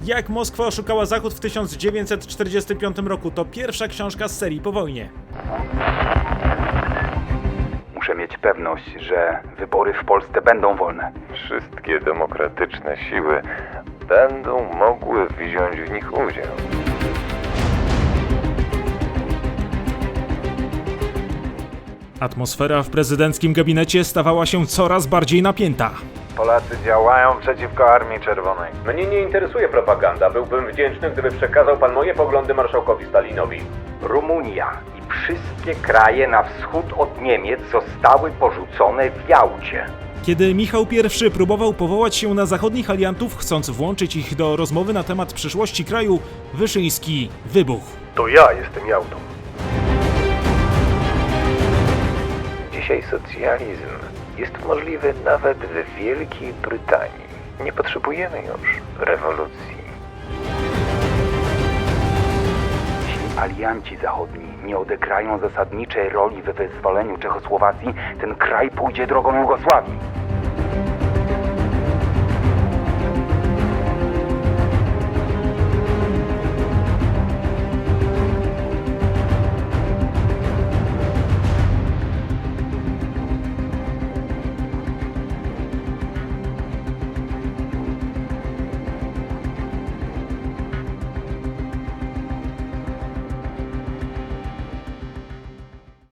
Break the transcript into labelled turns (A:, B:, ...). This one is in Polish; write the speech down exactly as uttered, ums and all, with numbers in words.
A: Jak Moskwa oszukała Zachód w tysiąc dziewięćset czterdziestym piątym roku to pierwsza książka z serii po wojnie.
B: Muszę mieć pewność, że wybory w Polsce będą wolne.
C: Wszystkie demokratyczne siły będą mogły wziąć w nich udział.
A: Atmosfera w prezydenckim gabinecie stawała się coraz bardziej napięta.
D: Polacy działają przeciwko Armii Czerwonej.
E: Mnie nie interesuje propaganda. Byłbym wdzięczny, gdyby przekazał pan moje poglądy marszałkowi Stalinowi.
B: Rumunia i wszystkie kraje na wschód od Niemiec zostały porzucone w Jałcie.
A: Kiedy Michał I próbował powołać się na zachodnich aliantów, chcąc włączyć ich do rozmowy na temat przyszłości kraju, Wyszyński wybuchł.
D: To ja jestem Jałtą.
C: Dzisiaj socjalizm jest możliwy nawet w Wielkiej Brytanii. Nie potrzebujemy już rewolucji.
B: Jeśli alianci zachodni nie odegrają zasadniczej roli we wyzwoleniu Czechosłowacji, ten kraj pójdzie drogą Jugosławii.